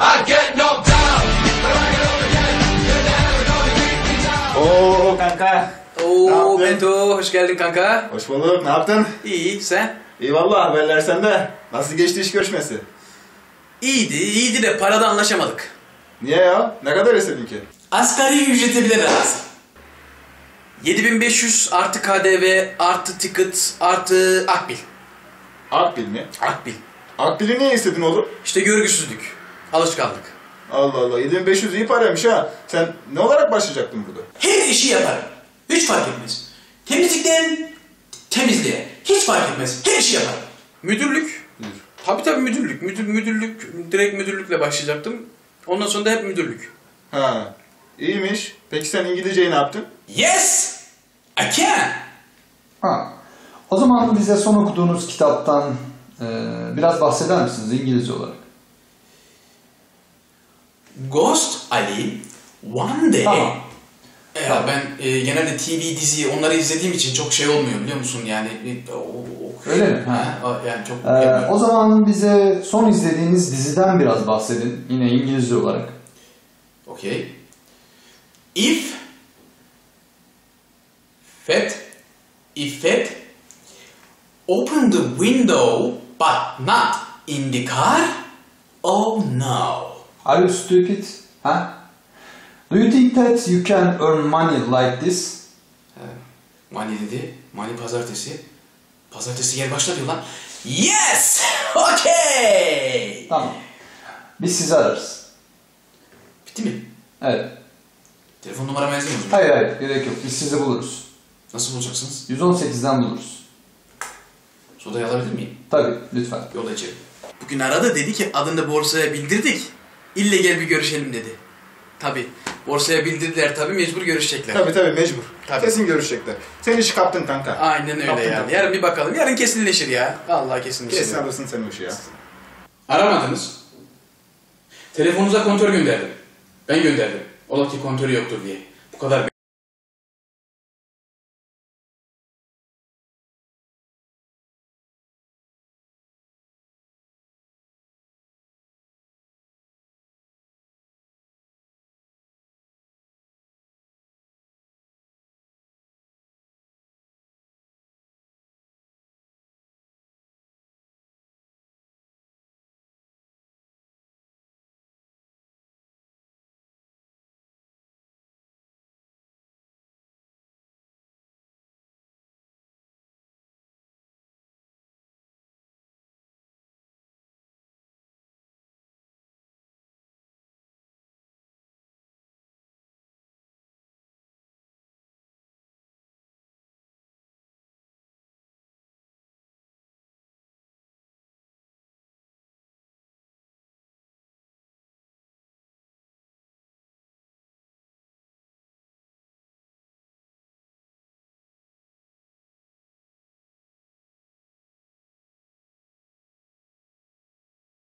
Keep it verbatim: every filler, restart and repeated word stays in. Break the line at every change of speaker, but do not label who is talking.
Oo kanka.
Oo Beto, hoş geldin kanka.
Hoş bulduk. Ne yaptın?
İyi, sen?
İyi vallahi, haberler sende. Nasıl geçti iş görüşmesi?
İyiydi, iyiydi de parada anlaşamadık.
Niye ya? Ne kadar istedin ki?
Asgari ücrete bile razı. yedi bin beş yüz artı K D V artı ticket artı akbil.
Akbil mi?
Akbil.
Akbil'i niye istedin oğlum?
İşte görgüsüzlük, alışkanlık.
Allah Allah, yedi bin beş yüz iyi paraymış ha. Sen ne olarak başlayacaktın burada?
Her işi yaparım. Hiç fark etmez. Temizlikten temizliğe. Hiç fark etmez. Her işi yaparım.
Müdürlük.
Müdür.
Tabii tabii müdürlük. Müdür, müdürlük, direkt müdürlükle başlayacaktım. Ondan sonra da hep müdürlük.
Ha, iyiymiş. Peki sen İngilizceyi ne yaptın?
Yes! I can!
Ha. O zaman bize son okuduğunuz kitaptan e, biraz bahseder misiniz İngilizce olarak?
Ghost Ali one day...
Tamam.
Ya tamam. Ben e, genelde T V dizi onları izlediğim için çok şey olmuyor biliyor musun yani. E, o, o,
Öyle mi?
Ha. Ha, yani çok.
Ee, o zaman bize son izlediğiniz diziden biraz bahsedin. Yine İngilizce olarak.
Okay. If Fed If Fed open the window but not in the car, oh no.
Are you stupid? Ha? Do you think that you can earn money like this?
Money dedi. Money pazartesi. Pazartesi yer başla diyor lan. Yes! Okay!
Tamam. Biz sizi ararız.
Bitti mi?
Evet.
Telefon numaramı yazayım mı?
Hayır hayır gerek yok. Biz sizi buluruz.
Nasıl bulacaksınız?
yüz on sekizden buluruz.
Sodayı alabilir miyim?
Tabii lütfen.
Yola içeri. Bugün aradı dedi ki adını borsaya bildirdik. İlle gel bir görüşelim dedi. Tabii. Borsaya bildirdiler tabii mecbur görüşecekler.
Tabii tabii, mecbur.
Tabii.
Kesin görüşecekler. Sen işi kaptın kanka.
Aynen öyle
Kaptın,
yani.
kaptın.
Yarın bir bakalım. Yarın kesinleşir ya. Vallahi kesinleşir.
Kesin
ya.
alırsın sen o işi ya.
Aramadınız. Telefonunuza kontör gönderdim. Ben gönderdim. Ola ki kontörü yoktur diye. Bu kadar